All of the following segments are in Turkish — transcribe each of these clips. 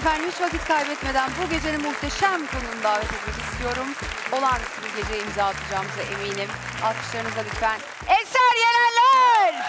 Efendim hiç vakit kaybetmeden bu gecenin muhteşem konuğunu davet etmek istiyorum. Olağanüstü bir geceye imza atacağımıza eminim. Alkışlarınıza lütfen. Eser Yenenler!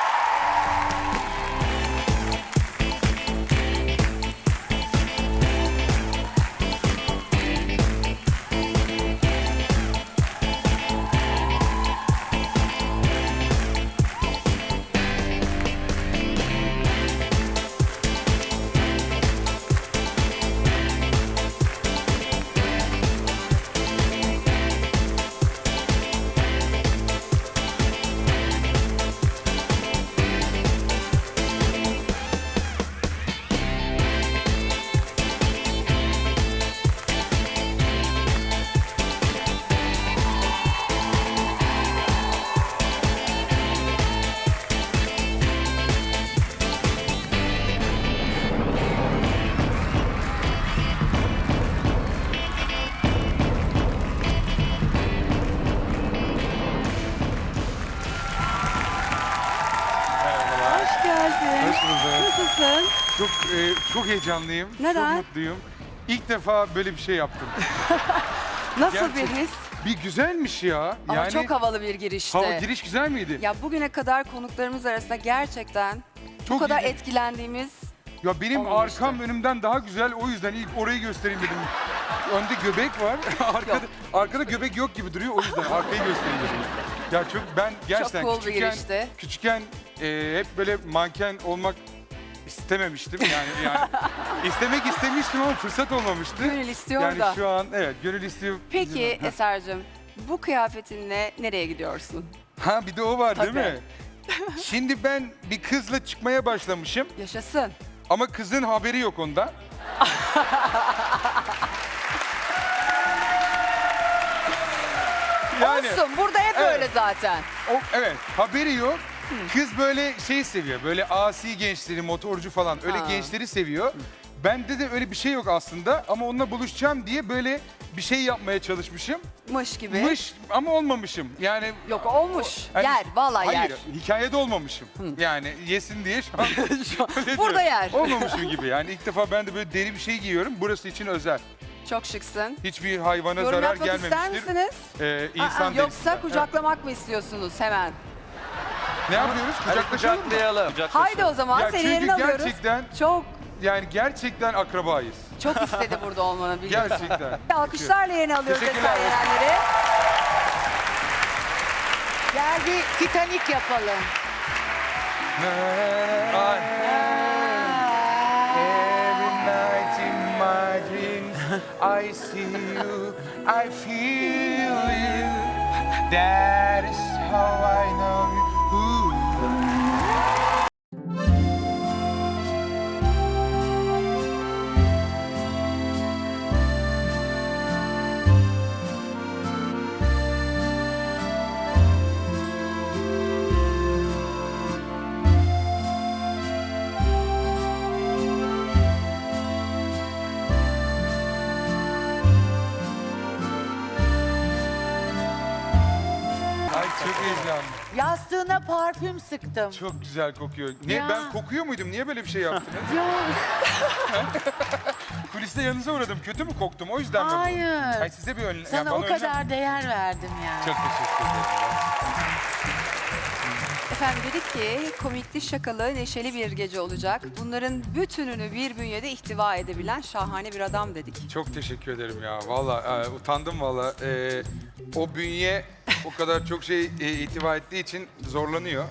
Hoş geldin. Hoş bulduk. Nasılsın? Çok heyecanlıyım. Neden? Çok mutluyum. İlk defa böyle bir şey yaptım. Nasıl Gerçek- bir his? Bir güzelmiş ya. Ama çok havalı bir girişti. hava giriş güzel miydi? Ya bugüne kadar konuklarımız arasında gerçekten bu Çok kadar iyiydi. etkilendiğimiz Ya benim olmamıştı. arkam önümden daha güzel. O yüzden ilk orayı göstereyim dedim. Önde göbek var. arkada göbek yok gibi duruyor. O yüzden arkayı göstereyim dedim. Ya ben gerçekten cool bir girişti. küçükken hep böyle manken olmak istememiştim. Yani istemek istemiştim ama fırsat olmamıştı. gönül istiyor Yani da. şu an evet gönül istiyor. Peki Heh. Eser'cim bu kıyafetinle nereye gidiyorsun? Ha bir de o var değil Tabii. mi? Şimdi ben bir kızla çıkmaya başlamışım Yaşasın. ama kızın haberi yok ondan. Olsun burada hep Evet. öyle zaten. Evet haberi yok. Kız böyle şey seviyor. Böyle asi gençleri, motorcu falan öyle Ha. gençleri seviyor. Bende de öyle bir şey yok aslında ama onunla buluşacağım diye böyle bir şey yapmaya çalışmışım. Mış gibi. Mış ama olmamışım. Yani Yok olmuş. hani- Yer vallahi hayır, yer. hikayede olmamışım. Yani yesin diye şu an öyle Burada diyorum. yer. Olmamışım gibi yani ilk defa ben de böyle deri bir şey giyiyorum. Burası için özel. Çok şıksın. Hiçbir hayvana Yorum zarar yapmak ister gelmemiştir. misiniz? İnsan Aa, yoksa derisi. kucaklamak mı istiyorsunuz hemen? Ne yapıyoruz? Kucaklaşalım mı? Haydi o zaman Ya seni çünkü yerine alıyoruz. gerçekten gerçekten akrabayız. Çok istedi burada olmanı biliyorsun. Gerçekten. Alkışlarla yerine alıyoruz Teşekkürler. Eser Yenenler'i. Gel bir Titanic yapalım. Ay. Every night in my dreams I see you, I feel you. That is how I know you. Ooh. Ay çok heyecanlı. Yastığına parfüm sıktım. Çok güzel kokuyor. Ne Ya. ben kokuyor muydum? Niye böyle bir şey yaptınız? Yok, Kuliste yanınıza uğradım. Kötü mü koktum? O yüzden mi bu? hayır. Ay size bir önlem. Sana o kadar değer verdim yani. Çok teşekkür ederim. Efendim dedik ki komikli, şakalı, neşeli bir gece olacak. Bunların bütününü bir bünyede ihtiva edebilen şahane bir adam dedik. Çok teşekkür ederim ya. Valla utandım valla. O bünye o kadar çok şey itibar ettiği için zorlanıyor.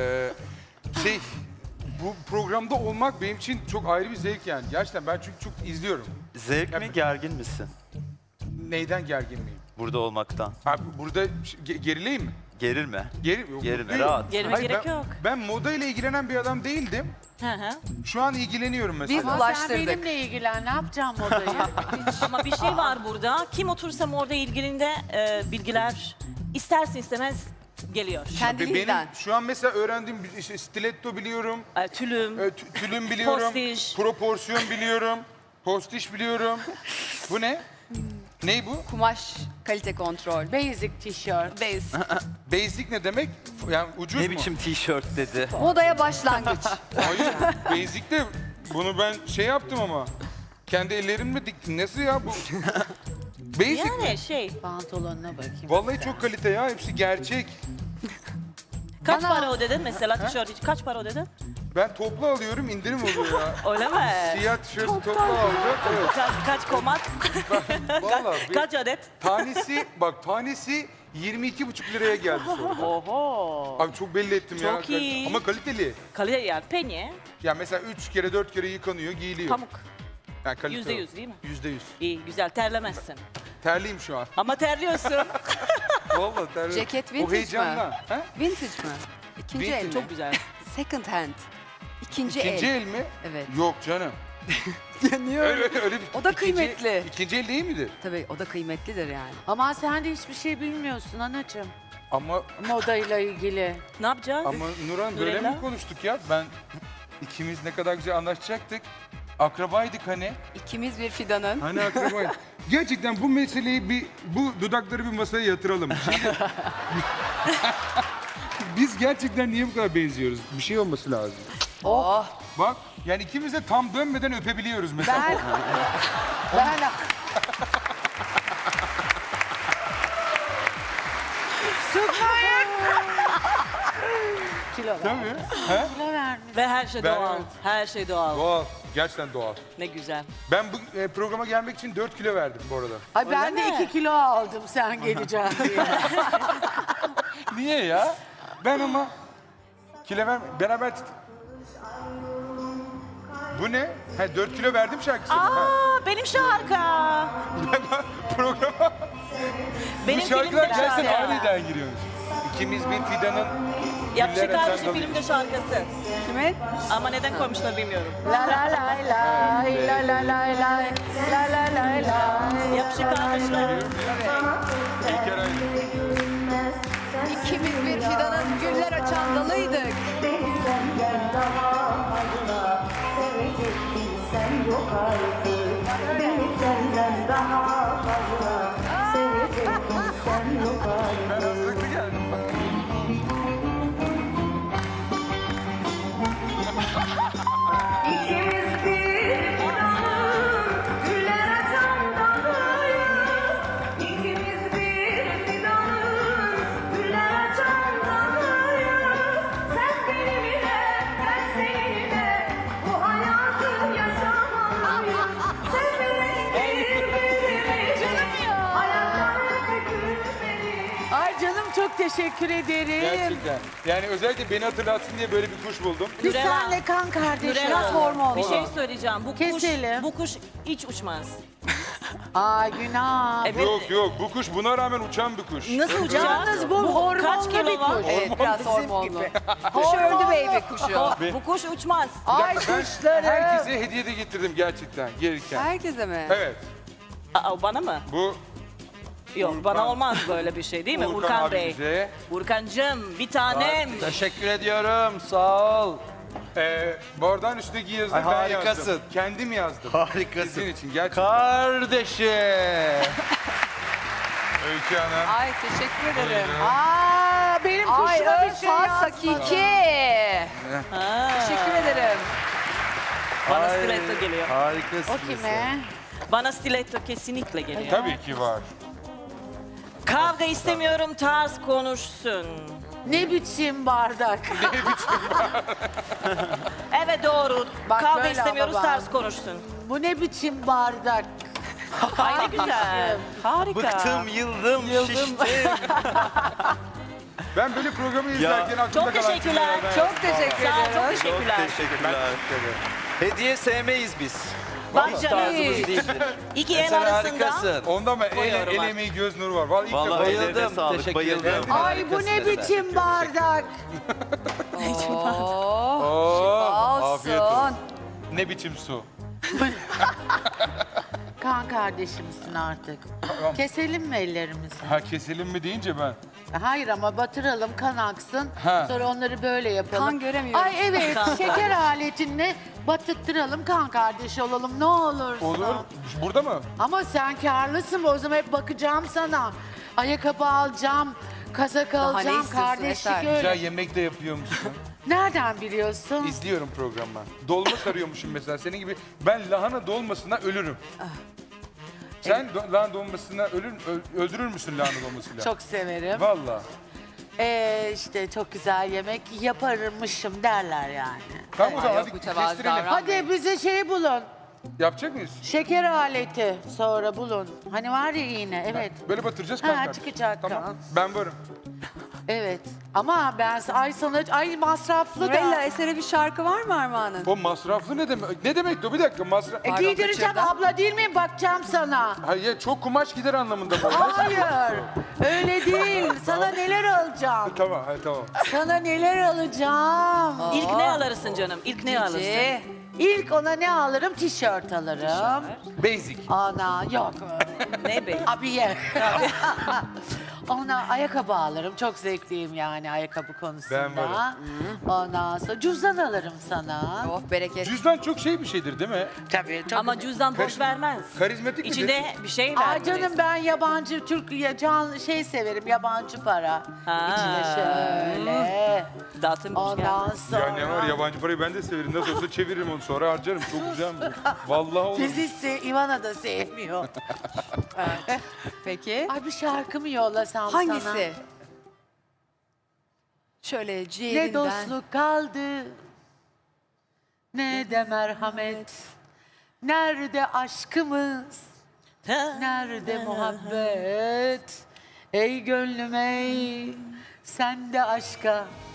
Bu programda olmak benim için çok ayrı bir zevk yani. Gerçekten ben çünkü çok izliyorum. Zevk mi, gergin misin Neyden gergin miyim? burada olmaktan? Abi burada gerileyim mi? Gerilme. Gerilme, Gerilme, rahat. Gerilme Hayır, gerek ben, yok. Ben moda ile ilgilenen bir adam değildim. Hı hı. Şu an ilgileniyorum mesela. Biz Ama ulaştırdık. sen benimle ilgilen, ne yapacağım odayı? Ama bir şey var burada. Kim otursam orada ilgilinde bilgiler istersin istemez geliyor. Kendiliğinden. Benim şu an mesela öğrendiğim işte stiletto biliyorum. Tülüm, Tülüm biliyorum. Postiş. Proporsiyon biliyorum. Postiş biliyorum. Bu ne? Ney bu? Kumaş kalite kontrol. Basic tişört. Base. Basic ne demek? Yani ucuz Ne mu? biçim tişört dedi. Modaya başlangıç. Hayır. Basic de bunu ben şey yaptım ama. Kendi ellerimle diktim. Nasıl ya bu? Basic mi? Yani şey, Pantolonuna bakayım. Vallahi çok kalite ya. Hepsi gerçek. kaç para ödedin mesela tişört için? Kaç para ödedin? Ben toplu alıyorum, indirim oluyor ya. Öyle mi? Siyah tişört toplu alacak. Evet. Kaç komat? Vallahi bir Kaç adet? tanesi 22,5 liraya geldi sonra. Oho. Abi çok belli ettim ya. Çok iyi. Ama kaliteli. Kalite yani penye, Ya mesela 3 kere 4 kere yıkanıyor, giyiliyor. pamuk. Yani kalite %100 değil mi? %100. İyi, güzel. Terlemezsin. Terliyim şu an. Ama terliyorsun. Vallahi terliyim. Ceket O vintage mi? heyecanla. Ha? Vintage mi? İkinci Vintage. el mi? Çok güzel. Second hand. İkinci, İkinci el. el mi? Evet. Yok canım. Niye Öyle bir O da ikinci- kıymetli. İkinci el değil midir? Tabii o da kıymetlidir yani. Ama sen de hiçbir şey bilmiyorsun anacığım. Ama Modayla ilgili. Ne yapacağız? Nurhan böyle Nurella? mi konuştuk ya? İkimiz ne kadar güzel anlaşacaktık. Akrabaydık hani. İkimiz bir fidanın. Hani akrabaydık. Gerçekten bu meseleyi bu dudakları bir masaya yatıralım. Şimdi- Biz gerçekten niye bu kadar benziyoruz? Bir şey olması lazım. Oh. Bak yani ikimiz de tam dönmeden öpebiliyoruz mesela. Ben Kilo ver. Tabii. He? Kilo vermiş. Ve her şey Ben- doğal. evet. Her şey doğal. Doğal. Gerçekten doğal. Ne güzel. Ben bu programa gelmek için 4 kilo verdim bu arada. Ay ben Öyle de mi? 2 kilo aldım sen geleceksin diye. Niye ya? Ben ama kilo beraber Bu ne? Ha 4 kilo verdim şarkısı. Ha. Aa, benim şarkı. Programa Benim bu şarkılar filmde gerçekten şarkı. aniden giriyormuş. İkimiz bir fidanın Yapışık güller kardeşi açan filmde şarkısı. kimin? Ama neden koymuşlar bilmiyorum. La la lay lay, la la lay lay, la la lay lay. Yapışık kardeşler. İlker Aydın. İkimiz bir fidanın güller açan dalıydık. Sen yok artık, beni senden daha fazla sevecektim, sen yok artık. Ben hazırlıklı geldim. İkimiz bir fidanın güller açan dalıyız. İkimiz bir fidanın güller açan dalıyız. Sen benimle, ben seninle bu hayatı yaşamalıyız. Sevmeyi birbirimizi, hayatlarını gülmeliyiz. Ay canım çok teşekkür ederim. Gerçekten. Yani özellikle beni hatırlatsın diye böyle bir kuş buldum. Biz Nurella. senle kan kardeşiz. Nurella, hormon. bir şey söyleyeceğim. Keselim. Bu kuş hiç uçmaz. Ay günah. Evet. Yok bu kuş buna rağmen uçan bir kuş. Nasıl uçacak? Yalnız bu hormonlu kaç kilo bir var? kuş. Evet biraz bizim hormonlu. gibi. Kuş öldü baby kuşu. Bu kuş uçmaz. Ay Ben kuşları. herkese hediye de getirdim gerçekten gelirken. Herkese mi? Evet. Aa, bana mı? Bu Yok Urkan. bana olmaz böyle bir şey değil mi? Urkan Bey. abimize. Urkancığım bir tanem. Teşekkür ediyorum. Sağ ol. Bardağın üstündeki yazıyı Ay, ben harikasın. yazdım. Kendim yazdım. Harikasın. Sizin için gerçekten. Kardeşim. Öykü Hanım. Ay teşekkür ederim. Aa benim Ay kuşuma bir şey Özfat yazmadı. Sakiki. Ha. Teşekkür ederim. Bana Ay, stiletto geliyor. Harikasın. O kime? Bana stiletto kesinlikle geliyor. Tabii ki var. Kavga istemiyorum, tarz konuşsun. Ne biçim bardak? Evet doğru. Bak Kavga böyle istemiyoruz, ama bak. tarz konuşsun. Bu ne biçim bardak? Ay ne güzel. Harika. Bıktım, yıldım, şiştim. Ben böyle programı izlerken aklımda Çok kalan teşekkürler. cümlelerden Çok teşekkür Sağ ol, çok ederim. teşekkürler. Teşekkürler. Hediye sevmeyiz biz. Bak Hiç canım. tarzımız değildir. İki el Sen arasında. harikasın. Onda ama Koyuyorum el bak. emeği göz nuru var. Vallahi ilk defa. Vallahi Bayıldım. ellerine sağlık, teşekkür bayıldım. ederim. Ay bu ne biçim bardak? Oo, Oo, afiyet olsun. olsun. Ne biçim su. Kan kardeşimsin artık. Keselim mi ellerimizi? Ha keselim mi deyince ben. Hayır ama batıralım kan aksın. Ha. Sonra onları böyle yapalım. Kan göremiyorum. Ay evet şeker aletinle batırttıralım kan kardeşi olalım ne olursun. Olur. Burada mı? Ama sen karlısın o zaman hep bakacağım sana. Ayakkabı alacağım, kazak ne alacağım, istiyorsun kardeşlik Eser? öyle. Güzel yemek de yapıyor musun? Nereden biliyorsun? İzliyorum programı. Dolma sarıyormuşum mesela. Senin gibi ben lahana dolmasına ölürüm. Sen lahana dolmasına öldürür müsün lahana dolmasıyla? Çok severim. Vallahi. İşte çok güzel yemek yaparmışım derler yani. Tamam o zaman yok, hadi mütevazı kestirelim. davran. Hadi bize şey bulun. Yapacak mıyız? Şeker aleti sonra bulun. Hani var ya iğne, evet. Böyle batıracağız Ha, kanka. çıkacak Tamam. kan. Ben varım. Evet. Ama ben ay masraflı Nurella, da. Eser'e bir şarkı var mı Armağan'ın? O masraflı ne demek? Ne demek o? Bir dakika masraf. Pardon, Giydireceğim kaçırdım. abla değil miyim? Bakacağım sana. Hayır çok kumaş gider anlamında mı? Hayır. Öyle değil. Sana neler alacağım? Tamam, hayır, tamam. Sana neler alacağım? İlk ne alırsın canım? İlk ne alırsın? Gece. İlk ona ne alırım? Tişört alırım. Basic. Ana yok. Ne be? Abiye. Ona ayakkabı alırım. Çok zevkliyim yani ayakkabı konusunda. Ben varım. Ondan sonra cüzdan alırım sana. Oh bereket. Cüzdan çok şey bir şeydir değil mi? Tabii çok. Ama cüzdan boş vermez. Karizmatik midir? İçinde bir şey Aa vermelisin. canım ben yabancı Türk şey severim yabancı para. Ha. İçine şöyle. Dağıtım boş Ondan gelmez. sonra. Ya ne var yabancı parayı ben de severim. Nasıl olsa çeviririm onu sonra harcarım. Çok güzel mi? Vallahi olur. Siz hiç Ivana da sevmiyor. Peki. Ay bir şarkı mı yollasam sana? Hangisi? Şöyle Ne ciğerinden. dostluk kaldı, ne de merhamet. Nerede aşkımız, nerede muhabbet? Ey gönlüm ey, sen de aşka